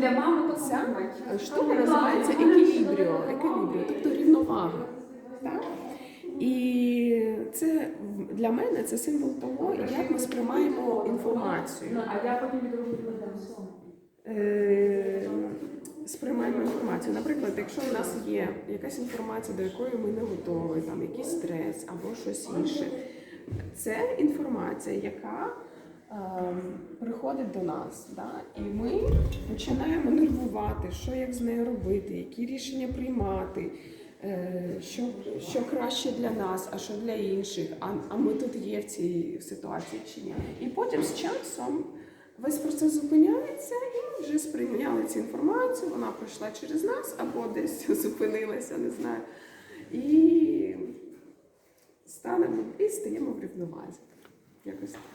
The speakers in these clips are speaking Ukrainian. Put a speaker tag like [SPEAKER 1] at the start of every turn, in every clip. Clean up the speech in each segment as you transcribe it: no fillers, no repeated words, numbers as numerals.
[SPEAKER 1] для мами
[SPEAKER 2] Ця штука називається еквілібріо, тобто рівновага. Так? І це для мене це символ того, як ми сприймаємо інформацію.
[SPEAKER 1] А я потім відроблю там
[SPEAKER 2] Сприймаємо інформацію. Наприклад, якщо у нас є якась інформація, до якої ми не готові, там якийсь стрес або щось інше, це інформація, яка приходить до нас. Да? І ми починаємо нервувати, що як з нею робити, які рішення приймати, що краще для нас, а що для інших, а ми тут є в цій ситуації чи ні. І потім з часом весь процес зупиняється, і ми вже сприйняли цю інформацію, вона пройшла через нас або десь зупинилася, не знаю. І стаємо в рівновазі. Якось так.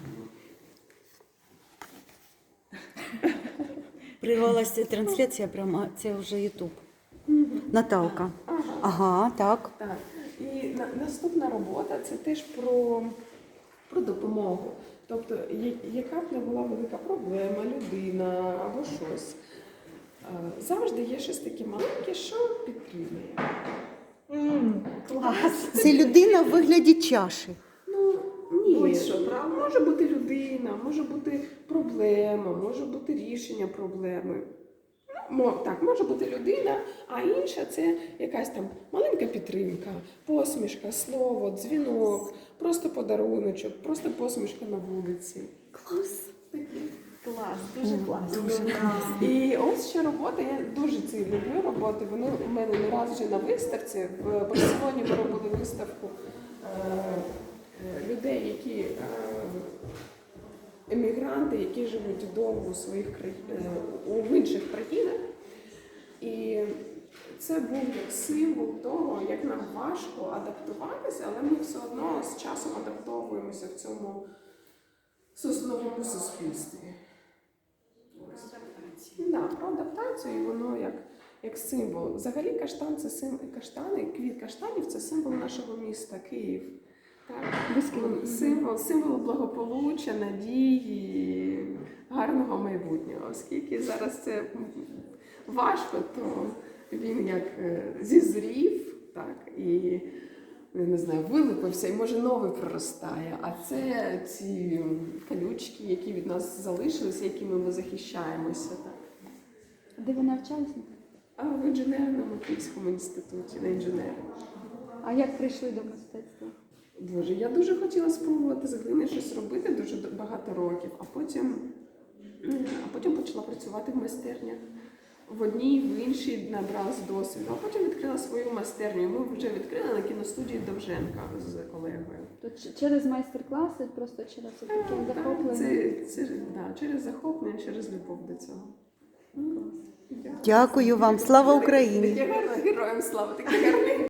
[SPEAKER 3] При голосі трансляція пряма, це вже Ютуб. Наталка. Ага, так.
[SPEAKER 2] Так. І наступна робота – це теж про допомогу. Тобто, яка б не була велика проблема, людина або щось, завжди є щось таке маленьке, що підтримує.
[SPEAKER 1] Клас.
[SPEAKER 3] Це людина в вигляді чаші.
[SPEAKER 2] Ну, ні.
[SPEAKER 1] Будь-що, правда?
[SPEAKER 2] Може бути людина, може бути проблема, може бути рішення проблеми. Так, може бути людина, а інша – це якась там маленька підтримка, посмішка, слово, дзвінок, просто подаруночок, просто посмішка на вулиці.
[SPEAKER 1] Клас. Клас, дуже класно.
[SPEAKER 2] І ось ще робота, я дуже ці люблю роботи, вони у мене не раз вже на виставці. В Барселоні ми робили виставку людей, які емігранти, які живуть довго в інших країнах. І це був як символ того, як нам важко адаптуватися, але ми все одно з часом адаптовуємося в цьому новому суспільстві. Про адаптацію, і воно як символ. Взагалі квіт каштанів – це символ нашого міста Київ. Так? Символ благополуччя, надії, гарного майбутнього. Оскільки зараз це важко, то він як зізрів, так, і, не знаю, вилупився і може новий проростає. А це ці колючки, які від нас залишилися, якими ми захищаємося. Так.
[SPEAKER 4] Де ви навчалися?
[SPEAKER 2] В інженерному Київському інституті, на інженера.
[SPEAKER 4] А як прийшли до мистецтва?
[SPEAKER 2] Боже, я дуже хотіла спробувати з глини щось робити дуже багато років, а потім почала працювати в майстернях. В одній, в іншій набралась досвіду, а потім відкрила свою майстерню. Ми вже відкрили на кіностудії Довженка з колегою.
[SPEAKER 4] То через майстер-класи, просто через таке захоплення?
[SPEAKER 2] Через захоплення, через любов до цього.
[SPEAKER 3] Дякую вам. Слава Україні!
[SPEAKER 2] Таке гарне, героям слава, таке гарне.